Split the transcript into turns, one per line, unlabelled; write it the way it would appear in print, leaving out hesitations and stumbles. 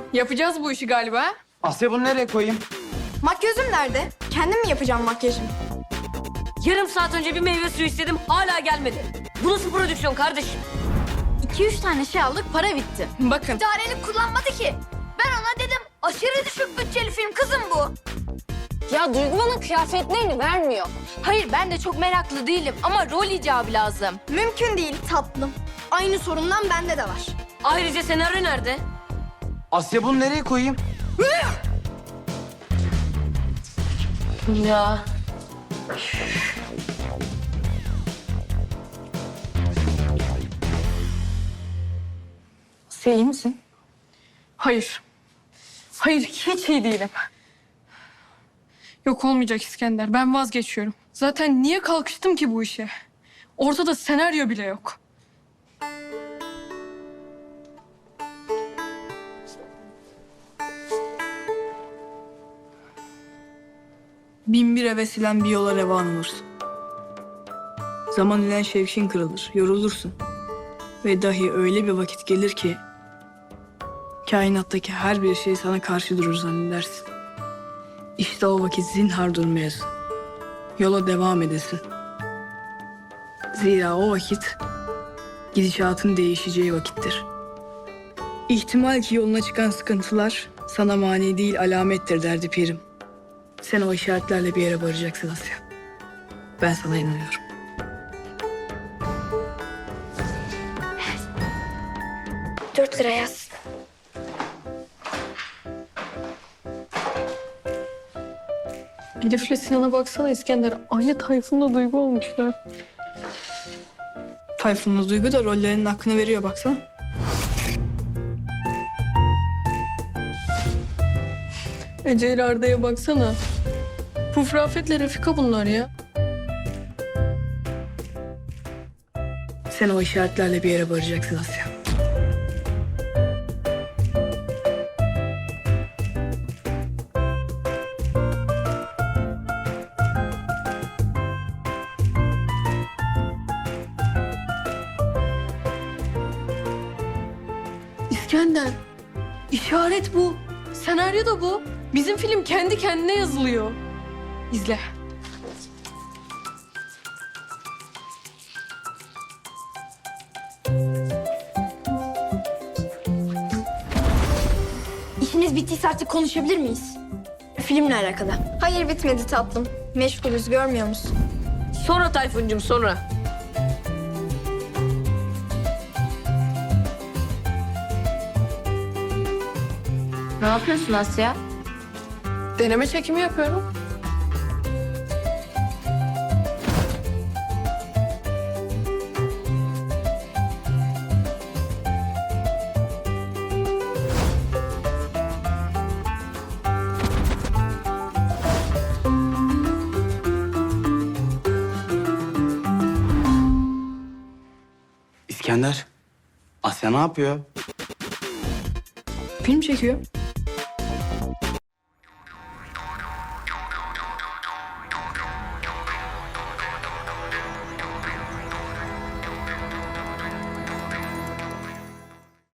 Yapacağız bu işi galiba.
Asya bunu nereye koyayım?
Makyözüm nerede? Kendim mi yapacağım makyajımı?
Yarım saat önce bir meyve suyu istedim, hala gelmedi. Bu nasıl prodüksiyon kardeşim?
2-3 tane şey aldık, para bitti.
Bakın.
İdarelik kullanmadı ki. Ben ona dedim, aşırı düşük bütçeli film kızım bu.
Ya Duygu bana kıyafetlerini vermiyor.
Hayır, ben de çok meraklı değilim ama rol icabı lazım. Mümkün değil tatlım. Aynı sorundan bende de var.
Ayrıca senaryo nerede?
Asya bunu nereye koyayım?
Ya.
Sen iyi misin? Hayır. Hayır, hiç iyi değilim. Yok olmayacak İskender. Ben vazgeçiyorum. Zaten niye kalkıştım ki bu işe? Ortada senaryo bile yok.
Bin bir hevesilen bir yola revan olursun. Zaman ile şevkin kırılır, yorulursun. Ve dahi öyle bir vakit gelir ki... kainattaki her bir şey sana karşı durur zannedersin. İşte o vakit zinhar durmayasın. Yola devam edesin. Zira o vakit gidişatın değişeceği vakittir. İhtimal ki yoluna çıkan sıkıntılar sana mani değil alamettir derdi pirim. Sen o işaretlerle bir yere varacaksın Asya. Ben sana inanıyorum.
$4 yaz.
Elif'le Sinan'a baksana İskender. Aynı Tayfun'la Duygu olmuşlar.
Tayfun'la Duygu da rollerinin hakkını veriyor baksana.
Ece ile Arda'ya baksana. Puf Rafet'le Refika bunlar ya.
Sen o işaretlerle bir yere varacaksın Asya.
İskender, işaret bu. Senaryo da bu. Bizim film kendi kendine yazılıyor. İzle.
İşiniz bittiyse artık konuşabilir miyiz? Filmle alakalı. Hayır bitmedi tatlım. Meşgulüz görmüyor musun?
Sonra Tayfun'cum, sonra.
Ne yapıyorsun Asya?
Deneme çekimi yapıyorum.
İskender. Asya ne yapıyor?
Film çekiyor.